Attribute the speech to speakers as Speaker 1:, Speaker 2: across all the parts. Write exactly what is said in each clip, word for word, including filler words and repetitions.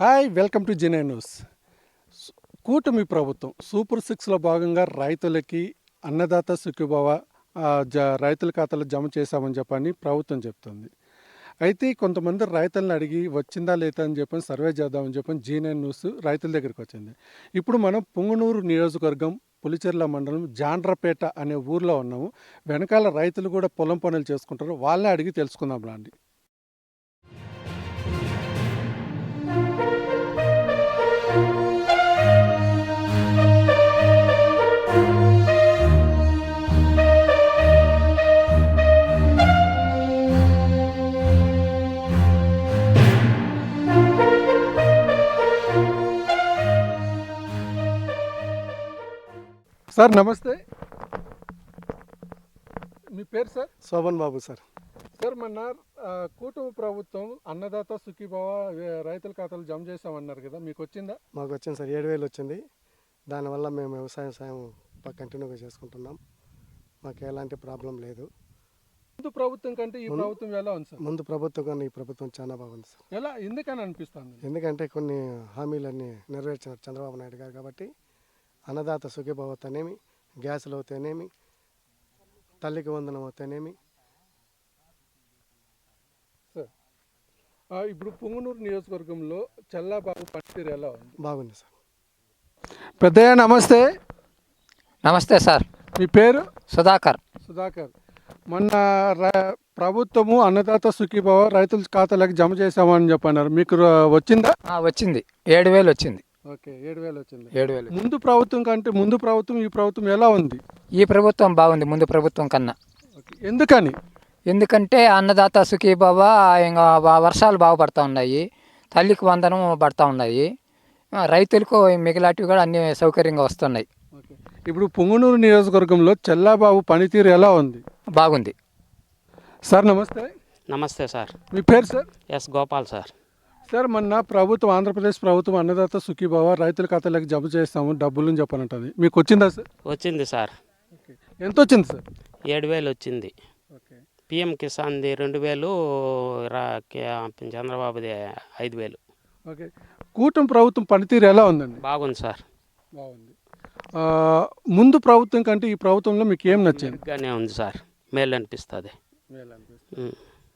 Speaker 1: Hi welcome to Gen I news. సు- కూటమి ప్రభుత్వం సూపర్ సిక్స్లో భాగంగా రైతులకి అన్నదాత సుఖీభవ ఆ, జ రైతుల ఖాతాలో జమ చేశామని చెప్పని ప్రభుత్వం చెప్తుంది. అయితే కొంతమంది రైతులను అడిగి వచ్చిందా లేదా అని చెప్పని సర్వే చేద్దామని చెప్పని జెన్ఐ న్యూస్ రైతుల దగ్గరికి వచ్చింది. ఇప్పుడు మనం పుంగనూరు నియోజకవర్గం పులిచెర్ల మండలం జాండ్రపేట అనే ఊర్లో ఉన్నాము. వెనకాల రైతులు కూడా పొలం పనులు చేసుకుంటారు. వాళ్ళని అడిగి తెలుసుకుందాం రండి. సార్ నమస్తే, మీ పేరు sir?
Speaker 2: Shobhan Babu sir.
Speaker 1: Sir మొన్న ఆ, కూటమి ప్రభుత్వం అన్నదాత సుఖీభవ వే- రైతుల ఖాతాలు జమ చేసామన్నారు కదా, మీకు వచ్చిందా?
Speaker 2: మాకు వచ్చింది సార్, ఏడు వేలు వచ్చింది. దానివల్ల మేము వ్యవసాయం సాయం ప- కంటిన్యూగా చేసుకుంటున్నాం. మాకు ఎలాంటి ప్రాబ్లం లేదు.
Speaker 1: ముందు ప్రభుత్వం కంటే ఈ
Speaker 2: ముందు-
Speaker 1: ప్రభుత్వం ఎలా ఉంది సార్?
Speaker 2: ముందు ప్రభుత్వం కన్నా ఈ ప్రభుత్వం చాలా బాగుంది సార్.
Speaker 1: ఎలా ఎందుకని అనిపిస్తుంది?
Speaker 2: ఎందుకంటే కొన్ని హామీలన్నీ నెరవేర్చినారు చంద్రబాబు నాయుడు గారు. కాబట్టి అన్నదాత సుఖీభావ అవుతానేమి, గ్యాసులు అవుతానేమి, తల్లికి వందనం అవుతానేమి.
Speaker 1: సార్ ఆ, ఇప్పుడు పుంగనూరు నియోజకవర్గంలో చల్లాబాబు పనితీరు ఎలా ఉంది?
Speaker 2: బాగుంది సార్.
Speaker 1: పెద్దయ్య నమస్తే,
Speaker 3: నమస్తే సార్.
Speaker 1: మీ పేరు?
Speaker 3: సుధాకర్.
Speaker 1: సుధాకర్. మొన్న ర- ప్రభుత్వము అన్నదాత సుఖీభవ రైతుల ఖాతాలకు జమ చేసామని చెప్పన్నారు, మీకు ర- వచ్చిందా?
Speaker 3: ఆ, వచ్చింది, ఏడు వేలు వచ్చింది.
Speaker 1: ఓకే, ఏడు వేలు వచ్చింది.
Speaker 3: ఏడు వేలు
Speaker 1: ముందు ప్రభుత్వం కంటే ముందు ప్రభుత్వం ఈ ప్రభుత్వం ఎలా ఉంది?
Speaker 3: ఈ ప్రభుత్వం బాగుంది ముందు ప్రభుత్వం కన్నా.
Speaker 1: ఓకే, ఎందుకని?
Speaker 3: ఎందుకంటే అన్నదాత సుఖీభవ, ఇంకా వ- వర్షాలు బాగా పడతా ఉన్నాయి, తల్లికి వందనం పడతా ఉన్నాయి, ఆ, రైతులకు మిగిలాటివి కూడా అన్ని సౌకర్యంగా వస్తున్నాయి.
Speaker 1: ఓకే, ఇప్పుడు పుంగనూరు నియోజకవర్గంలో చెల్లాబాబు పనితీరు ఎలా ఉంది?
Speaker 3: బాగుంది.
Speaker 1: సార్ నమస్తే,
Speaker 4: నమస్తే సార్.
Speaker 1: మీ పేరు sir?
Speaker 4: S Gopal sir.
Speaker 1: Sir మొన్న ప్రభుత్వం ఆంధ్రప్రదేశ్ ప్రభుత్వం అన్నదాత సుఖీభవ రైతుల ఖాతాలకు జమ చేస్తాము డబ్బులు అని చెప్పనంటుంది, మీకు వచ్చిందా సార్?
Speaker 4: వచ్చింది సార్.
Speaker 1: ఓకే, ఎంత వచ్చింది సార్?
Speaker 4: ఏడు వేలు వచ్చింది.
Speaker 1: ఓకే,
Speaker 4: పిఎం కిసాన్ది రెండు వేలు, రా కే- చంద్రబాబుది ఐదు వేలు.
Speaker 1: ఓకే. కూటమి ప్రభుత్వం పనితీరు ఎలా ఉందండి?
Speaker 4: బాగుంది సార్.
Speaker 1: బాగుంది. ఆ, ముందు ప్రభుత్వం కంటే ఈ ప్రభుత్వంలో మీకు ఏం నచ్చింది?
Speaker 4: మెరుగ్గానే ఉంది సార్, మేలు అనిపిస్తుంది. ఉమ్,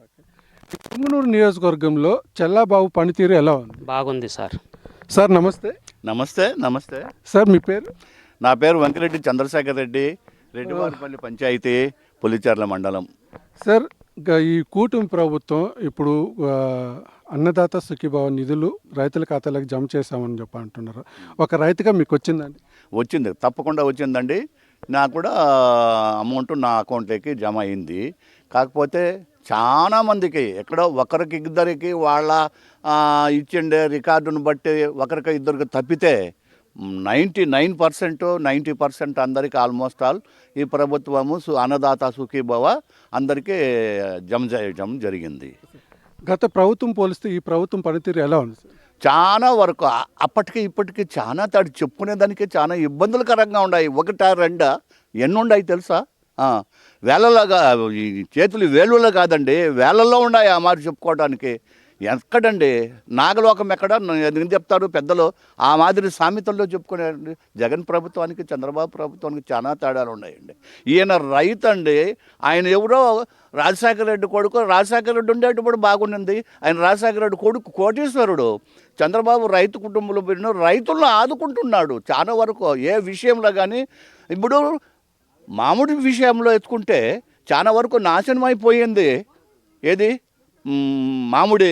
Speaker 1: పుంగనూరు నియోజకవర్గంలో చెల్లాబాబు పనితీరు ఎలా ఉంది?
Speaker 4: బాగుంది సార్.
Speaker 1: సార్ నమస్తే.
Speaker 5: నమస్తే నమస్తే
Speaker 1: సార్ మీ పేరు?
Speaker 5: నా పేరు వెంకరెడ్డి చంద్రశేఖర్ రెడ్డి, రెడ్డివారిపల్లి పంచాయతీ, పులిచెర్ల మండలం.
Speaker 1: సార్ గ- ఈ కూటమి ప్రభుత్వం ఇప్పుడు ఆ, అన్నదాత సుఖీభావ నిధులు రైతుల ఖాతాలకు జమ చేశామని చెప్పి అంటున్నారు. ఒక రైతుగా మీకు వచ్చిందండి?
Speaker 5: వచ్చింది, తప్పకుండా వచ్చిందండి. నాకు కూడా అమౌంట్ నా అకౌంట్లోకి జమ అయింది. కాకపోతే చాలా మందికి ఎక్కడో ఒకరికి ఇద్దరికి వాళ్ళ ఆ, ఇచ్చిండే రికార్డును బట్టి ఒకరికి ఇద్దరికి తప్పితే ninety nine percent ninety percent అందరికీ ఆల్మోస్ట్ ఆల్ ఈ ప్రభుత్వము సు- అన్నదాత సుఖీభవ అందరికీ జమ చేయడం జరిగింది.
Speaker 1: గత ప్రభుత్వం పోలిస్తే ఈ ప్రభుత్వం పనితీరు ఎలా ఉంది సార్?
Speaker 5: చాలా వరకు ఆ- అప్పటికి ఇప్పటికి చాలా తాడు చెప్పుకునేదానికి చాలా ఇబ్బందులకరంగా ఉన్నాయి. ఒకటా రెండా ఎన్ని ఉన్నాయి తెలుసా? ఆ, వేలలాగా ఈ చేతులు వేలులో కాదండి, వేలల్లో ఉన్నాయి ఆ మాదిరి చెప్పుకోవడానికి. ఎక్కడండి నాగలోకం ఎక్కడ ఎందుకు చెప్తారు పెద్దలు? ఆ మాదిరి సామెతల్లో చెప్పుకునే జగన్ ప్రభుత్వానికి చంద్రబాబు ప్రభుత్వానికి చాలా తేడాలు ఉన్నాయండి. ఈయన రైతు అండి, ఆయన ఎవరో రాజశేఖర రెడ్డి కొడుకు, రాజశేఖర రెడ్డి ఉండేటప్పుడు బాగుండింది. ఆయన రాజశేఖర రెడ్డి కొడుకు కోటీశ్వరుడు. చంద్రబాబు రైతు కుటుంబంలో పెరిగిన రైతులను ఆదుకుంటున్నాడు చాలా వరకు ఏ విషయంలో. కానీ ఇప్పుడు మామిడి విషయంలో ఎత్తుకుంటే చాలా వరకు నాశనం అయిపోయింది. ఏది మ్, మామిడి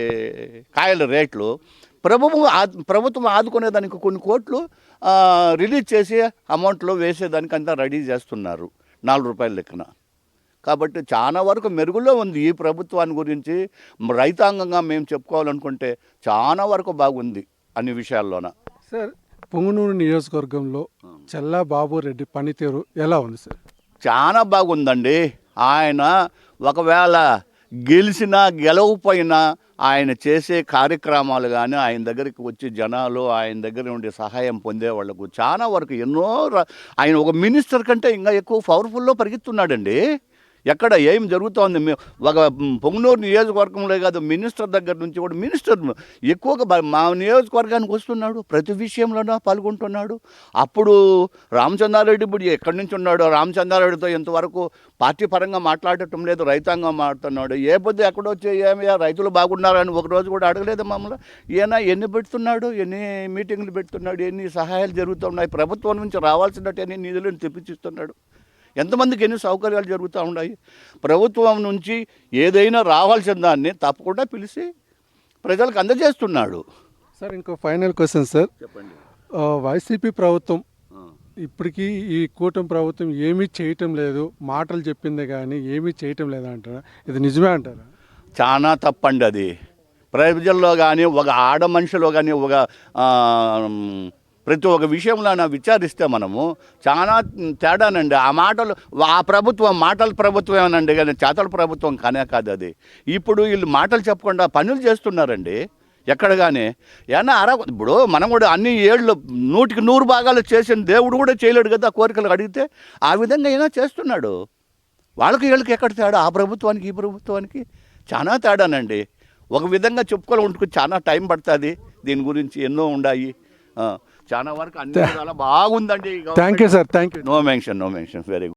Speaker 5: కాయల రేట్లు. ప్రభుత్వం ఆ- ప్రభుత్వం ఆదుకునేదానికి కొన్ని కోట్లు ఆ, రిలీజ్ చేసి అమౌంట్లో వేసేదానికి అంతా రెడీ చేస్తున్నారు నాలుగు రూపాయల లెక్కన. కాబట్టి చాలా వరకు మెరుగులో ఉంది ఈ ప్రభుత్వాన్ని గురించి. రైతాంగంగా మేము చెప్పుకోవాలనుకుంటే చాలా వరకు బాగుంది అన్ని విషయాల్లోన.
Speaker 1: సార్ పుంగనూరు నియోజకవర్గంలో చెల్లా బాబు రెడ్డి పనితీరు ఎలా ఉంది సార్?
Speaker 5: చాలా బాగుందండి. ఆయన ఒకవేళ గెలిచినా గెలవకపోయినా ఆయన చేసే కార్యక్రమాలు కానీ ఆయన దగ్గరికి వచ్చి జనాలు ఆయన దగ్గర నుండి సహాయం పొందే వాళ్ళకు చాలా వరకు ఎన్నో ర- ఆయన ఒక మినిస్టర్ కంటే ఇంకా ఎక్కువ పవర్ఫుల్లో పరిగెత్తున్నాడండి. ఎక్కడ ఏం జరుగుతోంది మే- ఒక పొంగనూరు నియోజకవర్గంలో కాదు, మినిస్టర్ దగ్గర నుంచి కూడా మినిస్టర్ ఎక్కువగా బ- మా నియోజకవర్గానికి వస్తున్నాడు, ప్రతి విషయంలోనూ పాల్గొంటున్నాడు. అప్పుడు రామచంద్రారెడ్డి ఇప్పుడు ఎక్కడి నుంచి ఉన్నాడు, రామచంద్రారెడ్డితో ఇంతవరకు పార్టీ పరంగా మాట్లాడటం లేదు, రైతాంగం మాట్లాడుతున్నాడు. ఏ పొద్దు ఎక్కడొచ్చి ఏమయ్యా రైతులు బాగున్నారని ఒకరోజు కూడా అడగలేదు మమ్మల్ని. ఈయన ఎన్ని పెడుతున్నాడు, ఎన్ని మీటింగ్లు పెడుతున్నాడు, ఎన్ని సహాయాలు జరుగుతున్నాయి, ప్రభుత్వం నుంచి రావాల్సినట్టు ఎన్ని నిధులను తెప్పించిస్తున్నాడు, ఎంతమందికి ఎన్ని సౌకర్యాలు జరుగుతూ ఉన్నాయి. ప్రభుత్వం నుంచి ఏదైనా రావాల్సిన దాన్ని తప్పకుండా పిలిచి ప్రజలకు అందజేస్తున్నాడు.
Speaker 1: సార్ ఇంకో ఫైనల్ క్వశ్చన్ సార్,
Speaker 5: చెప్పండి.
Speaker 1: ఆ, వైసీపీ ప్రభుత్వం ఇప్పటికీ ఈ కూటమి ప్రభుత్వం ఏమీ చేయటం లేదు, మాటలు చెప్పిందే కానీ ఏమీ చేయటం లేదు అంటారా? ఇది నిజమే అంటారా?
Speaker 5: చాలా తప్పండి అది. ప్రజల్లో కానీ ఒక ఆడ మనిషిలో కానీ ఒక ఆ, ప్రతి ఒక్క విషయంలో విచారిస్తే మనము చాలా తేడానండి. ఆ మాటలు ఆ ప్రభుత్వం మాటల ప్రభుత్వమేనండి, కానీ చేతల ప్రభుత్వం కానే కాదు అది. ఇప్పుడు వీళ్ళు మాటలు చెప్పకుండా పనులు చేస్తున్నారండి ఎక్కడ కానీ. ఏమన్నా అరా ఇప్పుడు మనం కూడా అన్ని ఏళ్ళు నూటికి నూరు భాగాలు చేసిన దేవుడు కూడా చేయలేడు కదా, కోరికలు అడిగితే. ఆ విధంగా అయినా చేస్తున్నాడు. వాళ్ళకి వీళ్ళకి ఎక్కడ తేడా, ఆ ప్రభుత్వానికి ఈ ప్రభుత్వానికి చాలా తేడానండి. ఒక విధంగా చెప్పుకోవాలి ఉంటుకు చాలా టైం పడుతుంది, దీని గురించి ఎన్నో ఉన్నాయి. చాలా వరకు అన్ని విధాలా బాగుందండి.
Speaker 1: Thank you sir, thank you.
Speaker 5: No mention, no mention, very good.